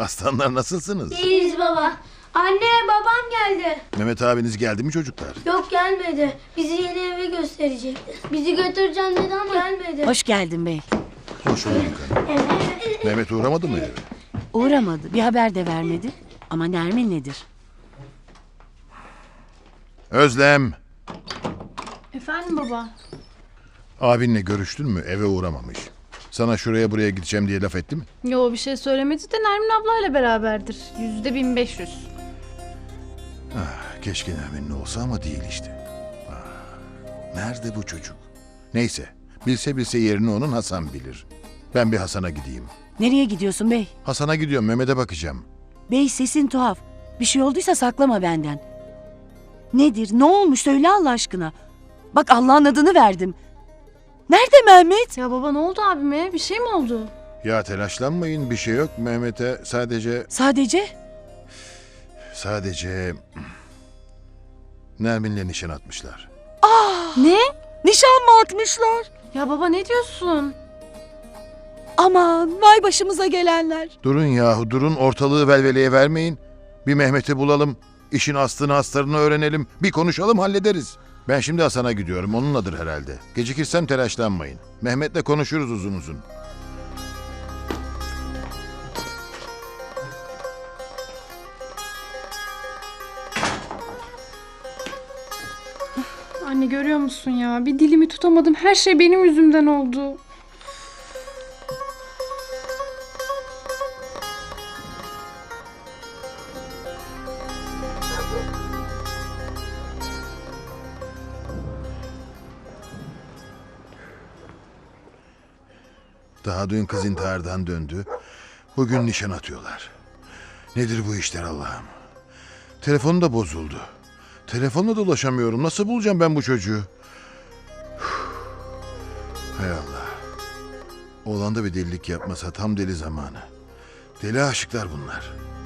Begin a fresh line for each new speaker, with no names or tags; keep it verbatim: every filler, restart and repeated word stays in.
Aslanlar nasılsınız?
İyiyiz baba. Anne babam geldi.
Mehmet abiniz geldi mi çocuklar?
Yok gelmedi. Bizi yeni eve gösterecekti. Bizi götüreceğim dedi ama gelmedi.
Hoş geldin bey.
Hoş bulduk hanım. Mehmet uğramadı mı eve?
Uğramadı. Bir haber de vermedi. Ama Nermin nedir?
Özlem,
Efendim baba.
abinle görüştün mü? Eve uğramamış. Sana şuraya buraya gideceğim diye laf etti mi?
Yo bir şey söylemedi de Nermin ablayla beraberdir. Yüzde bin beş yüz.
Ah, keşke Nermin'le olsa ama değil işte. Ah, nerede bu çocuk? Neyse, bilse bilse yerini onun Hasan bilir. Ben bir Hasan'a gideyim.
Nereye gidiyorsun bey?
Hasan'a gidiyorum, Mehmet'e bakacağım.
Bey sesin tuhaf. Bir şey olduysa saklama benden. Nedir? Ne olmuş? Söyle Allah aşkına. Bak Allah'ın adını verdim. Nerede Mehmet?
Ya baba ne oldu abime? Bir şey mi oldu?
Ya telaşlanmayın, bir şey yok. Mehmet'e sadece...
Sadece?
Sadece... Nermin'le nişan atmışlar.
Ne?
Nişan mı atmışlar?
Ya baba ne diyorsun?
Aman vay başımıza gelenler.
Durun yahu durun, ortalığı velveleye vermeyin. Bir Mehmet'i bulalım, işin aslını astarını öğrenelim, bir konuşalım hallederiz. Ben şimdi Hasan'a gidiyorum, onunladır herhalde. Gecikirsem telaşlanmayın. Mehmet'le konuşuruz uzun uzun.
Anne görüyor musun ya? Bir dilimi tutamadım. Her şey benim yüzümden oldu.
Daha dün kız intihardan döndü. Bugün nişan atıyorlar. Nedir bu işler Allah'ım? Telefonu da bozuldu. Telefonla da ulaşamıyorum. Nasıl bulacağım ben bu çocuğu? Üf. Hay Allah. Oğlan da bir delilik yapmasa tam deli zamanı. Deli aşıklar bunlar.